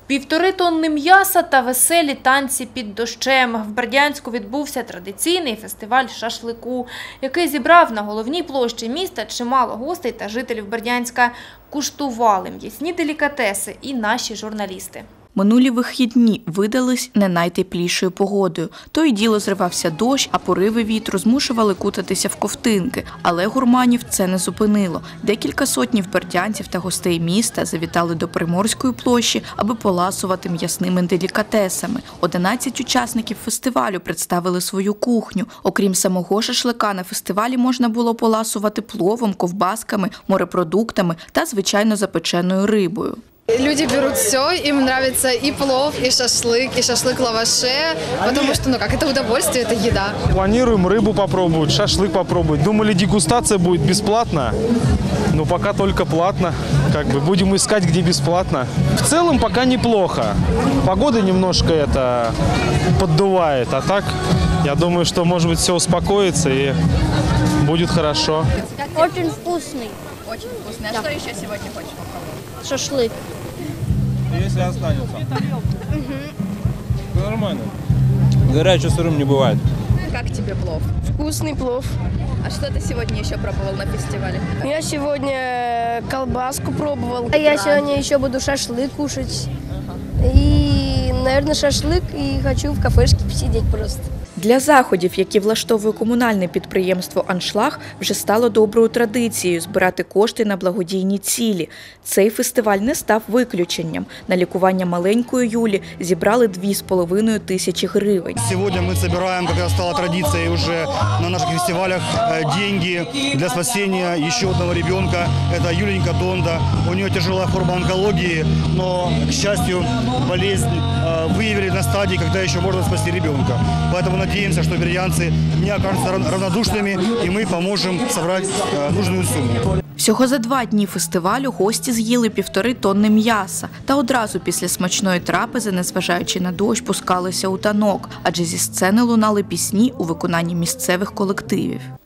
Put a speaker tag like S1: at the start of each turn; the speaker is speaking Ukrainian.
S1: 1,5 тонни м'яса та веселі танці під дощем. В Бердянську відбувся традиційний фестиваль шашлику, який зібрав на головній площі міста чимало гостей та жителів Бердянська. Куштували м'ясні делікатеси і наші журналісти.
S2: Минулі вихідні видались не найтеплішою погодою. То й діло зривався дощ, а пориви вітру змушували кутатися в ковтинки. Але гурманів це не зупинило. Декілька сотнів бердянців та гостей міста завітали до Приморської площі, аби поласувати м'ясними делікатесами. 11 учасників фестивалю представили свою кухню. Окрім самого шашлика, на фестивалі можна було поласувати пловом, ковбасками, морепродуктами та, звичайно, запеченою рибою.
S3: Люди берут все, им нравится и плов, и шашлык в лаваше, потому что, это удовольствие, это еда.
S4: Планируем рыбу попробовать, шашлык попробовать. Думали, дегустация будет бесплатно, но пока только платно. Будем искать, где бесплатно. В целом пока неплохо. Погода немножко поддувает, а так, я думаю, что, может быть, все успокоится и будет хорошо.
S5: Очень вкусный.
S6: Очень вкусный. А что еще сегодня хочешь попробовать?
S5: Шашлык.
S7: Если останется. Нормально. Горячий сырым не бывает.
S6: Как тебе плов?
S5: Вкусный плов.
S6: А что ты сегодня еще пробовал на фестивале?
S5: Я сегодня колбаску пробовал. А я сегодня еще буду шашлык кушать. И, наверное, шашлык. И хочу в кафешке посидеть просто.
S2: Для заходів, які влаштовує комунальне підприємство «Аншлаг», вже стало доброю традицією збирати кошти на благодійні цілі. Цей фестиваль не став виключенням. На лікування маленької Юлі зібрали 2,5 тисячі гривень.
S8: Сьогодні ми збираємо, як стало традицією вже на наших фестивалях, гроші для спасіння ще одного дитинка. Це Юленька Донда. У неї тяжела форма онкології, але, к щастю, болезнь виявили на стадії, коли ще можна спасти дитинка. Поэтому надеемся, что бердянцы не окажутся равнодушными, и мы поможем собрать нужную сумму.
S2: Всього за 2 дні фестивалю гості з'їли 1,5 тонни м'яса. Та одразу після смачної трапези, незважаючи на дощ, пускалися у танок, адже зі сцени лунали пісні у виконанні місцевих колективів.